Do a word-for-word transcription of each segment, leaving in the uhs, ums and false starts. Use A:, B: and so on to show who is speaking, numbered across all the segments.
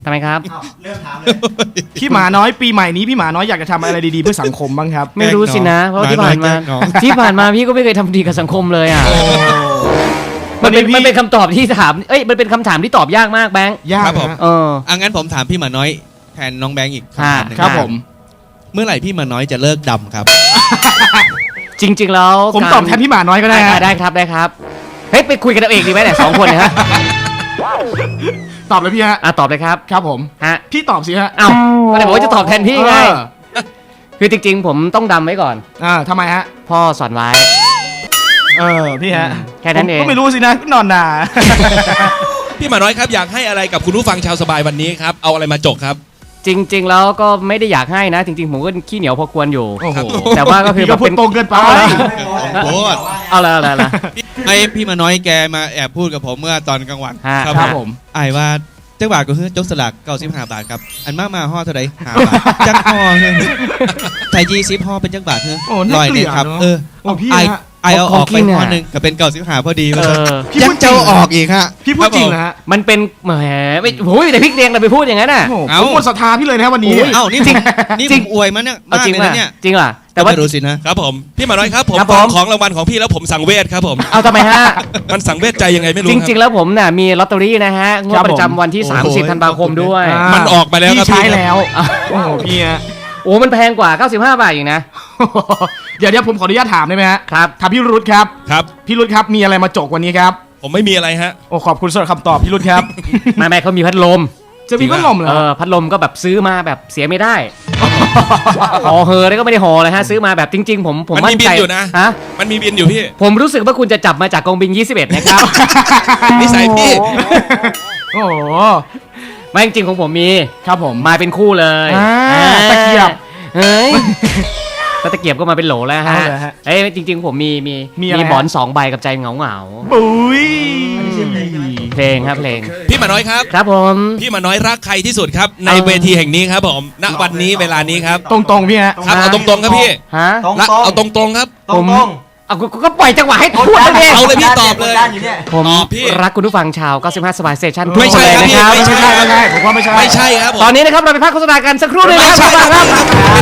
A: ทำไมครับ
B: เริ่มถามเลย
C: พี่หมาน้อยปีใหม่นี้พี่หมาน้อยอยากจะทำอะไรดีๆเพื่อสังคมบ้างครับ
A: ไม่รู้สินะเพราะที่ผ่านมาที่ผ่านมาพี่ก็ไม่เคยทำดีกับสังคมเลยอ่ะมันเป็นมันเป็นคำตอบที่ถามเอ้ยมันเป็นคำถามที่ตอบยากมากแบงค์
C: ยาก
D: ครับผม
A: เออ
D: อ่ะงั้นผมถามพี่หมาน้อยแทนน้องแบงค์อีก
A: ค่ะ
D: หนึ่ง
C: ครับผม
D: เมื่อไหร่พี่หมาน้อยจะเลิกดำครับ
A: จริงๆแล้ว
C: ผมตอบแทนพี่หมาน้อยก็ได้
A: ได้
C: ฮะ
A: ได้ครับได้ครับเฮ้ยไปคุยกันเอาเองดีไหมเนี่ยสองคนเนยฮะ
C: ตอบเลยพี่ฮะ
A: อ่ะตอบเลยครับ
C: ครับผม
A: ฮะ
C: พี่ตอบสิฮะ
A: เอ้าก็เลยบอกว่าจะตอบแทนพี่ไง
C: เออ
A: คือจริงๆผมต้องดำไว้ก่อน
C: อ่าทำไมฮะ
A: พ่อสอนไว้
C: เออพี่ฮะ
A: แค่นั้นเอง
C: ผมก็ไม่รู้สินะนอนนา
E: พี่หมาน้อยครับอยากให้อะไรกับคุณผู้ฟังชาวสบายวันนี้ครับเอาอะไรมาจกครับ
A: จริง ๆ แล้วก็ไม่ได้อยากให้นะ จริง ๆ ผมก็ขี้เหนียวพอควรอยู่
C: โอ้โห
A: แต่ว่าก็คือ
C: พี่ก็พูดตรงเกินไปนะ
D: โอ้โห
A: เอาละเอาละเอาละ
D: ไอพี่หมาน้อยแกมาแอบพูดกับผมเมื่อตอนกลางวัน
A: ฮะ
C: ครับผม
D: ไอ้ว่าเจ้าบาทก็คือจกสลักเก้าสิบห้าบาทครับอันมากมาห่อเท่าไหร่ห้าบาทจักห่อเฮ้ยไทยจีซิปห่อเป็นจักบาทเฮ้ย
C: โอ้น่า
D: ร้อย
C: เก
D: ห
C: ลี
D: นึ่
C: ย
D: ง
C: ด
D: ครับ
C: เนอะ
D: เออ
C: โอ้พี่
D: ไอ
C: ฮะ
D: ไอเอาออกไปห่อหนึ่งก็เป็นเก้าสิบห้าพอดี
A: เอ
D: เลย
A: อ
C: พี่
D: ยั
C: พู
D: ง
C: ดจริ
D: เจ้าง
C: เหรอ
D: ออกอีกฮะ
C: พี่พูดจริงเหรอฮะ
A: มันเป็นแหมไม่โอ้ยแต่พริกแดงเราไปพูดอย่างนั้นน่ะ
C: โอ้โห
D: เอ้า
C: ผมหมดศรัทธาพี่เลยนะวันนี้
A: โอ้ย
D: เอ้านี่
A: จริง
D: นี่
A: จ
D: ผ
A: ริง
D: มอวยมันเนี่ย
A: เอา
D: มาก
A: จริง
D: เลย
A: ป่ะ
D: นะเนี่ย
A: จริงเหรอแต่
D: แต่
A: ว่า
D: ว่าดูสินะ
E: ครับผมพี่หมาน้อยครับผม
A: ครับ
E: ข
A: ผ
E: อ
A: ม
E: ของรางวัลของพี่แล้วผมสั่งเวทครับผม
A: เอาทำไมฮะ
E: มันสั่งเวทใจยังไงไม่รู้
A: จ
E: ค
A: ริง ๆ
E: รับ
A: แล้วผมน่ะมีลอตเตอรี่นะฮะงวด
C: ครับผม
A: ประจำวันที่
D: โอ้โห
A: สามสิบธันวาคมด้วย
C: อ่า
E: มันออกมาแล้วครับ
C: พี่ใช้
E: พี่
C: แล้ว โอ้โหพี่ฮะ
A: โอ้มันแพงกว่าเก้าสิบห้าบาทอีกนะ
C: เดี๋ยวเดี๋ยวผมขออนุญาตถามได้ไหมฮะ
A: ครับ
C: ถามพี่รุธครับ
E: ครับ
C: พี่รุธครับมีอะไรมาจกวันนี้ครับ
E: ผมไม่มีอะไรฮะ
C: โอ้ขอบคุณสำหรับคำตอบพี่รุธครับ
A: ไม่ไม่เขามีพัดลม
C: จะมีพัดลมเหรอ
A: เออพัดลมก็แบบซื้อมาแบบเสียไม่ได้ห่อเฮอแล้วก็ไม่ได้ห่อเลยฮะซื้อมาแบบจริง ๆ ผมผม
E: มันมี
A: มั่นใจ
E: บินอยู่นะ
A: ฮะ
E: มันมีบินอยู่พี่
A: ผมรู้สึกว่าคุณจะจับมาจากกองบินยี่สิบเอ็ดนะครับ
E: นิสัยพี่
C: โอ้โห
A: ไม่จริงๆของผมมี
C: ครับผม
A: มาเป็นคู่เลย
C: อ่า
A: อ่า
C: ตะเกียบ
A: เฮ้ยถ้าตะเกียบก็มาเป็นโหลแล้วฮะ
C: เอาเลยฮะ
A: เอ้ยจริง ๆ ผมมีมี
C: มีอะไรฮะ
A: หมอนสองใบกับใจเหงาเหงา
C: ปุ้ย
A: ๆเพลงครับเพลง
E: พี่หมาน้อยครับ
A: ครับผม
E: พี่หมาน้อยรักใครที่สุดครับใน
A: เอา
E: เวทีแห่งนี้ครับผมณวันนี้เวลานี้ครับ
C: ตรงๆพี่ฮะ
E: ครับเอาตรงๆครับพี่
A: ฮะ
B: ตรง
E: รัก
B: ตรง
E: เอาตรงๆครับ
B: ตรง
A: ผม
B: ตรง
A: เอาก็ก็ปล่อยจังหวะให้พูดเลยดิ
E: เอาเลยพี่ตอบเลย
B: ด้านอยู่เนี่ย
A: ผม
E: ตอบพี่
A: รักคุณผู้ฟังชาวเก้าสิบห้าสบายสเตชัน
E: ไม่ใช่
A: ทุกนเลยนะครับ
E: ครับพี่
C: ไม่ใช่ไม่ใช่ผมว่าไม่ใช่
E: ไม่ใช่ครับผม
A: ตอนนี้นะครับเราไปพักโฆษณากันสักครู่หนึงนะครับ
E: ไม่ใช่
A: ครับ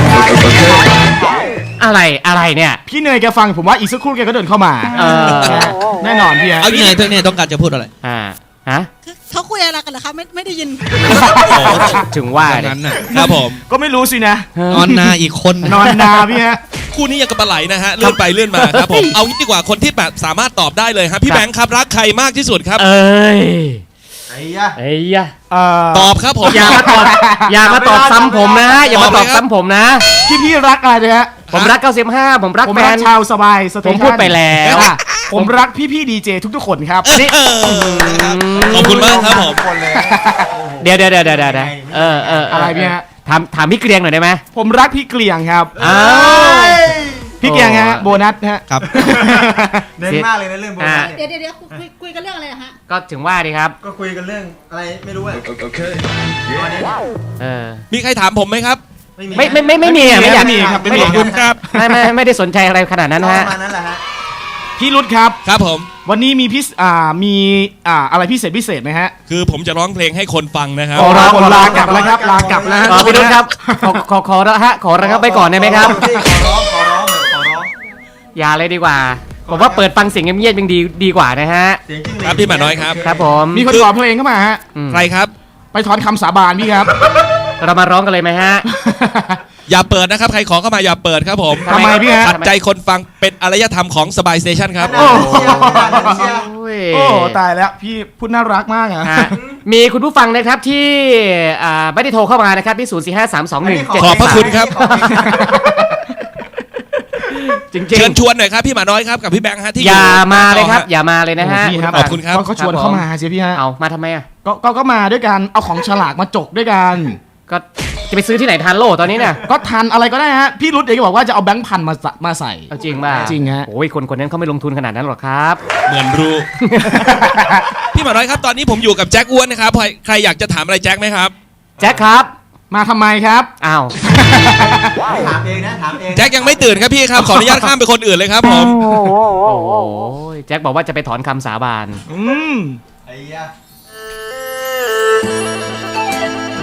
A: อะไรอะไรเนี่ย
C: พี่เนยแกฟังผมว่าอีกสักครู่แกก็เดินเข้ามา
A: เออ
C: แน่นอนพี่ฮะ
D: เอาพี่เนยเธอเนี่ยต้องการจะพูดอะไร
A: อ่าฮะ
F: เขาคุยอะไรกันเหรอคะไม่ไม่ได้ยิน
A: ถึงว่า
D: ดัง
A: เนี่ย
D: นั้นน่ะ
E: ครับผม
C: ก็ไม่รู้สินะ
D: นอนนาอีกคน
C: นอนนาพี่ฮะ
E: คู่นี้ยังกับปลาไหลนะฮะเลื่อนไปเลื่อนมาครับผมเอางี้ดีกว่าคนที่แบบสามารถตอบได้เลยครับพี่แบงค์ครับรักใครมากที่สุดครับ
A: เอ้ย
B: ไอ้ยะ
A: เอ้ยอะ
C: เอ่อ
E: ตอบครับผม
A: อย่ามาตอบอย่ามาตอบซ้ำผมนะ อย่ามาตอบ
E: ตอบเลยครับ
A: ซ้ำผมนะ
C: พี่พี่รักอะไรนะฮะ
A: ผมรักเก้าสิบห้าผมรัก
C: ผม
A: แฟ
C: รัก
A: น
C: ชาวสบายสเต
A: ผม
C: ชัน
A: พูดไปแล้ว
C: อ่ะผมรักพี่พี่ดีเจทุกๆคนครับ
A: นี่
E: ขอบคุณมากครับผม
B: คนเลย
A: เดี๋ยวเดี๋ยวเดี๋ยวเดี๋ยวเดี๋ยวเออเออเ
C: อะไรพี่ฮะ
A: ถามถามพี่เกรียงหน่อยได้ไหม
C: ผมรักพี่เกลียงครับ
A: อ้าว
C: พี่เกลียงฮะโบนัสฮะ
D: ครับ
B: เน้นมากเลยนะเรื่องโบราณ
F: เดี๋
B: เนี่ย
F: วย เดี๋ยวเดี๋ยวคุยคุยกันเรื่องอะไรอะฮะ
A: ก็ถึงว่าดีครับ
B: ก็คุยกันเรื่องอะไรไม่รู้อะ
A: เออ
E: มีใครถามผมไหมครับ
A: ไม่ไม่ไม่ไม่มีอ่ะไม่อยาก
C: ไม่มีครับไม่
A: ไม่
C: มี
E: ขอบคุณครับ
A: ไม่ไม่ไม่ได้สนใจอะไรขนาดนั้น
B: ป
A: ฮะ
B: ระมาณนั้นแหละฮะ
C: พี่รุธครับ
E: ครับผม
C: วันนี้มีพิเศษอ่ามีอ่าอะไรพิเศษพิเศษไหมฮะ
E: คือผมจะร้องเพลงให้คนฟังนะครับ
C: ขอลาขอลากลับแล้วครับลากลับแล้วฮะ
A: ขอพี่นุชครับขอขอขอละฮะขอระครับไปก่อนได้ไหมครับ
B: พี่ขอร้องขอร้องเลยขอร้อง
A: อย่าเลยดีกว่า ผมว่าเปิดฟังเสียงเงียบๆยังดีดีกว่านะฮะ
B: เสียงจิ้งหรีด
E: ครับพี่หมาน้อยครับ
A: ครับผม
C: มีคนขอเพลงเข้ามาฮะ
A: อืม
E: ใครครับ
C: ไปถอนคำสาบานพี่ครับ
A: เรามาร้องกันเลยไหมฮะ
E: อย่าเปิดนะครับ ใครขอเข้ามาอย่าเปิดครับผม
C: ทำไมพี่ฮะ
E: ขัดใจคนฟังเป็นอารยธรรมของสบายสเตชันครับ
B: โอ้โหเชียร์
A: โอ้ย
C: โอ้ตายแล้วพี่พูดน่ารักมากอะ
A: ฮะมีคุณผู้ฟังนะครับที่อ่าไม่ได้โทรเข้ามานะครับที่ศูนย์สี่ห้าสามสองหนึ่งเจ็ด
E: ขอบพระคุณครับ
A: จริง
E: เชิญชวนหน่อยครับพี่หมาน้อยครับกับพี่แบงค์ฮะที่
A: ๆ อย่ามาเลยครับ
E: ต่อฮะ
A: อย่ามาเลยนะฮะ
C: โอ้พี่ครับ
E: ขอบคุณครับ
C: ก็ก็ชวนเข้ามาเสียพี่ฮะ
A: เอามาทำไมอ่ะ
C: ก็ก็ก็มาด้วยกันเอาของฉลากมาจกด้วยกัน
A: ก็จะไปซื้อที่ไหนทันโลตอนนี้เนี่ย
C: ก็ทันอะไรก็ได้ฮะพี่รุธเองก็บอกว่าจะเอาแบงค์พันมาใส่มาใส่
A: เอาจริงป่ะ
C: จริงฮะ
A: โอ้ยคนคนนั้นเขาไม่ลงทุนขนาดนั้นหรอกครับ
E: เหมือนรู้ พี่หมาน้อยครับตอนนี้ผมอยู่กับแจ็คอ้วนนะครับใครใครอยากจะถามอะไรแจ็คไหมครับ
A: แจ็คครับ
C: มาทำไมครับ
A: อ้าว
B: ถามเองนะถามเอง
E: แจ็คยังไม่ตื่นครับพี่ครับขออนุญาตข้ามไปคนอื่นเลยครับผม
A: โอ้ยแจ็คบอกว่าจะไปถอนคำสาบาน
C: อืม
B: ไอ้ยะ